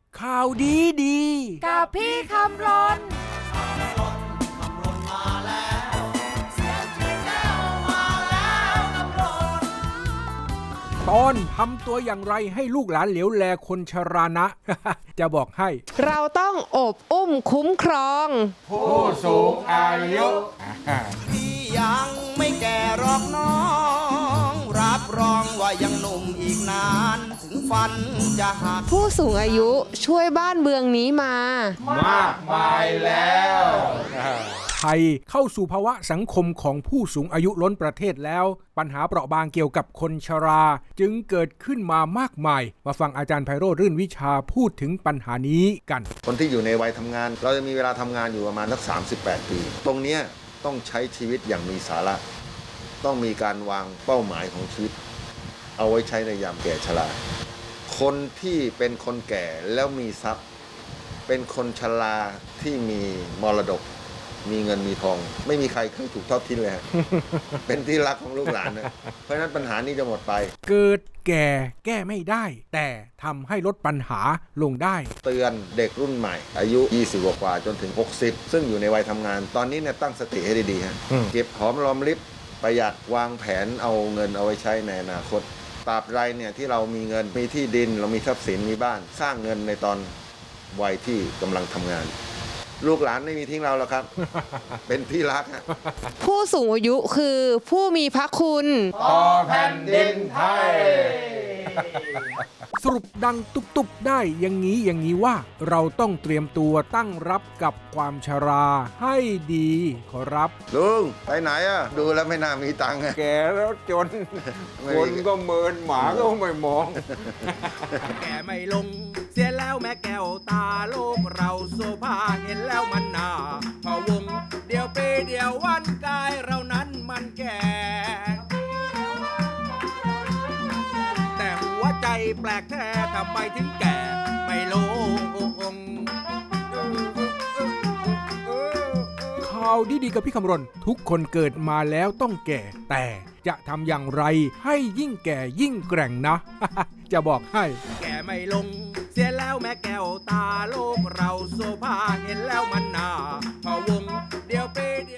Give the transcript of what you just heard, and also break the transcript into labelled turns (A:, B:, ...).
A: ข่าวดีดี
B: กับพี่คำรน
A: ตอนทำตัวอย่างไรให้ลูกหลานเหลียวแลคนชรานะ จะบอกให้
B: เราต้องอบอุ้มคุ้มครอง
A: ผู้สูงอายุ
C: ที่ยังไม่แก่หรอกน้องรับรองว่ายังหนุ่มอีกนานถึงฟันจะหัก
B: ผู้สูงอายุช่วยบ้านเมืองนี้มาม
A: ากมายแล้วไทยเข้าสู่ภาวะสังคมของผู้สูงอายุล้นประเทศแล้วปัญหาเปราะบางเกี่ยวกับคนชราจึงเกิดขึ้นมามากมายมาฟังอาจารย์ไพโรจน์รื่นวิชาพูดถึงปัญหานี้กัน
D: คนที่อยู่ในวัยทำงานเราจะมีเวลาทำงานอยู่ประมาณสัก38 ปีตรงนี้ต้องใช้ชีวิตอย่างมีสาระต้องมีการวางเป้าหมายของชีวิตเอาไว้ใช้ในยามแก่ชราคนที่เป็นคนแก่แล้วมีทรัพย์เป็นคนชราที่มีมรดกมีเงินมีทองไม่มีใครเคยถูกทอดทิ้งเลย เป็นที่รักของลูกหลานนะเพราะฉะนั้นปัญหานี้จะหมดไป
A: เกิดแก่แก้ไม่ได้แต่ทำให้ลดปัญหาลงได้
D: เตือนเด็กรุ่นใหม่อายุ20กว่าจนถึง60ซึ่งอยู่ในวัยทำงานตอนนี้เนี่ยตั้งสติให้ดีๆฮะเก็บหอมรอมริบประหยัดวางแผนเอาเงินเอาไว้ใช้ในอนาคตตราบใดเนี่ยที่เรามีเงินมีที่ดินเรามีทรัพย์สินมีบ้านสร้างเงินในตอนวัยที่กำลังทำงานลูกหลานไม่มีทิ้งเราแล้วครับ เป็นที่รัก
B: ผู้สูงอายุคือผู้มีพระคุณ
A: ต่อแผ่นดินไทย สรุปดังตุบๆได้อย่างนี้ว่าเราต้องเตรียมตัวตั้งรับกับความชราให้ดีขอรับ
D: ลุงไปไหนดูแล้วไม่น่ามีตังค์
A: แก่แล้วจนคนก็เมินหมาก็ไม่มอง
C: แก่ไม่ลงเสียแล้วแม่แก้วตาโลกเราโซภาเห็นแล้วมันน่าพะวงเดียวปีเดียววันกายเรานั้นมันแก่แต่หัวใจแปลกแท้ทำไมถึงแก่ไม่ลง
A: ข่าวดีๆกับพี่คำรณทุกคนเกิดมาแล้วต้องแก่แต่จะทำอย่างไรให้ยิ่งแก่ยิ่งแกร่งนะ จะบอกให้
C: แก่ไม่ลงเสียแล้วแม่แก้วตาโลกเราโซภาเห็นแล้วมันน่าพะวงเดียวปี